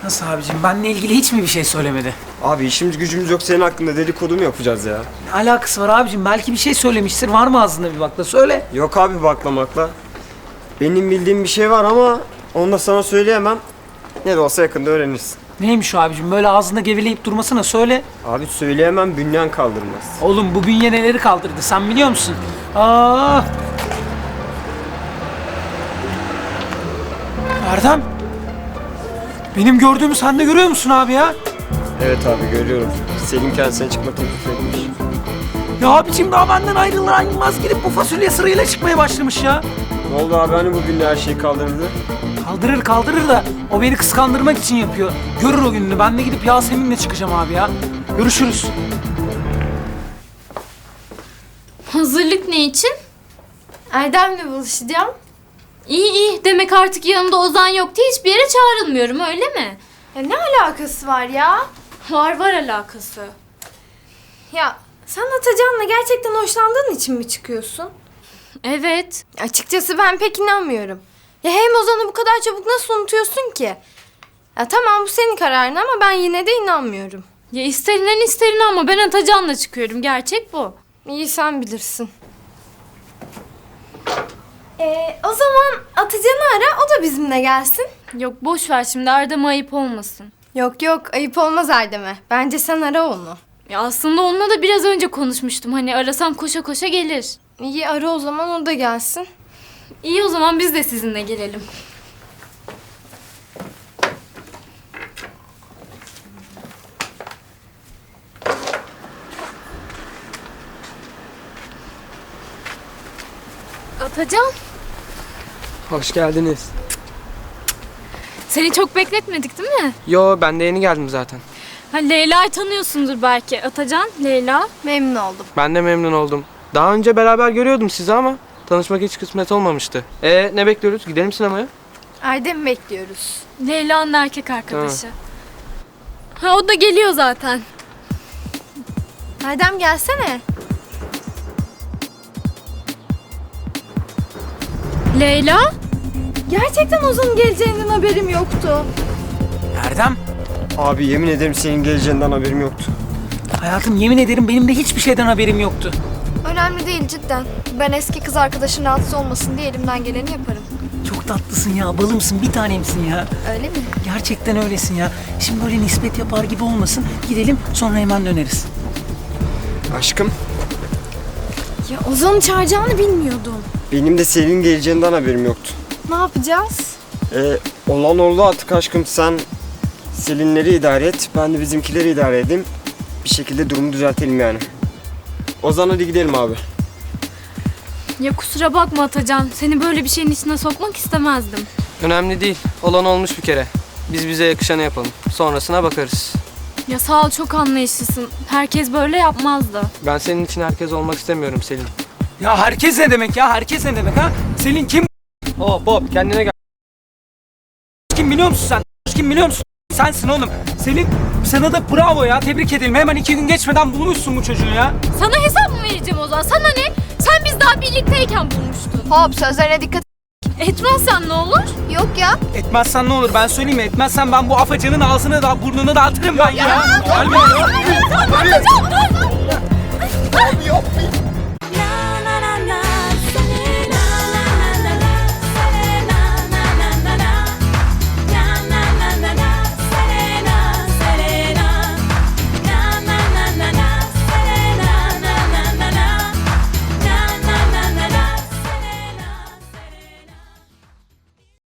Nasıl abicim? Benle ilgili hiç mi bir şey söylemedi? Abi işimiz gücümüz yok, senin hakkında dedikodu mu yapacağız ya? Ne alakası var abicim? Belki bir şey söylemiştir. Var mı ağzında bir bakla? Söyle. Yok abi baklamakla. Benim bildiğim bir şey var ama onu da sana söyleyemem. Ne de olsa yakında öğrenirsin. Neymiş o abicim? Böyle ağzında geveleyip durmasına söyle. Abi söyleyemem, bünyen kaldırmaz. Oğlum bu bünye neleri kaldırdı sen biliyor musun? Aa! Erdem! Benim gördüğümü sen de görüyor musun abi ya? Evet abi görüyorum. Selim kendisine çıkma teklif etmiş. Ya abicim daha benden ayrılır ayrılmaz gidip bu fasulye sırayla çıkmaya başlamış ya. Ne oldu abi, hani bu günde her şeyi kaldırdı? Kaldırır da o beni kıskandırmak için yapıyor. Görür o gününü. Ben de gidip Yasemin'le çıkacağım abi ya. Görüşürüz. Hazırlık ne için? Erdem'le buluşacağım. İyi demek artık yanımda Ozan yok diye hiçbir yere çağrılmıyorum öyle mi? Ya ne alakası var ya? Var alakası. Ya sen Atacan'la gerçekten hoşlandığın için mi çıkıyorsun? Evet. Açıkçası ben pek inanmıyorum. Ya hem Ozan'ı bu kadar çabuk nasıl unutuyorsun ki? Ya tamam bu senin kararın ama ben yine de inanmıyorum. Ya ister inan ama ben Atacan'la çıkıyorum. Gerçek bu. İyi sen bilirsin. O zaman Atacan'ı ara, o da bizimle gelsin. Yok boş ver şimdi Erdem'e ayıp olmasın. Yok ayıp olmaz Erdem'e. Bence sen ara onu. Ya aslında onunla da biraz önce konuşmuştum. Hani arasam koşa koşa gelir. İyi ara o zaman, o da gelsin. İyi o zaman biz de sizinle gelelim. Atacan, Hoş geldiniz. seni çok bekletmedik değil mi? Yo, ben de yeni geldim zaten. Ha, Leyla'yı tanıyorsundur belki. Atacan, Leyla. Memnun oldum. Ben de memnun oldum. Daha önce beraber görüyordum sizi ama tanışmak hiç kısmet olmamıştı. Ne bekliyoruz? Gidelim sinemaya. Erdem'i bekliyoruz. Leyla'nın erkek arkadaşı. Ha o da geliyor zaten. Erdem gelsene. Leyla? Gerçekten Ozan'ın geleceğinden haberim yoktu. Erdem, Abi yemin ederim senin geleceğinden haberim yoktu. hayatım yemin ederim benim de hiçbir şeyden haberim yoktu. Önemli değil cidden. Ben eski kız arkadaşın rahatsız olmasın diye elimden geleni yaparım. Çok tatlısın ya, balımsın, bir tanemsin ya. Öyle mi? Gerçekten öylesin ya. Şimdi böyle nispet yapar gibi olmasın. Gidelim sonra hemen döneriz. Aşkım, Ya Ozan'ı çağıracağını bilmiyordum. benim de senin geleceğinden haberim yoktu. Ne yapacağız? Olan oldu artık aşkım, sen Selinleri idare et, ben de bizimkileri idare edeyim. Bir şekilde durumu düzeltelim yani. Ozan hadi gidelim abi. Ya kusura bakma Atacan. Seni böyle bir şeyin içine sokmak istemezdim. Önemli değil. Olan olmuş bir kere. Biz bize yakışanı yapalım. Sonrasına bakarız. Ya sağ ol çok anlayışlısın. Herkes böyle yapmazdı. Ben senin için herkes olmak istemiyorum Selin. Ya herkes ne demek ya? Herkes ne demek ha? Selin kim? Hop kendine gel. Kim biliyor musun sen? Kim biliyor musun? Sensin oğlum. Selin sana da bravo ya. Tebrik edelim. Hemen 2 gün geçmeden bulmuşsun bu çocuğu ya. Sana hesap mı vereceğim o zaman? Sana ne? Sen biz daha birlikteyken bulmuştun. Hop sözlerine dikkat Etmezsen ne olur? yok ya. Etmezsen ne olur ben söyleyeyim mi? Etmezsen ben bu afacanın ağzını da burnunu dağıtırım ben ya. Gelme ya. Atacan dur! Abi yapmayın.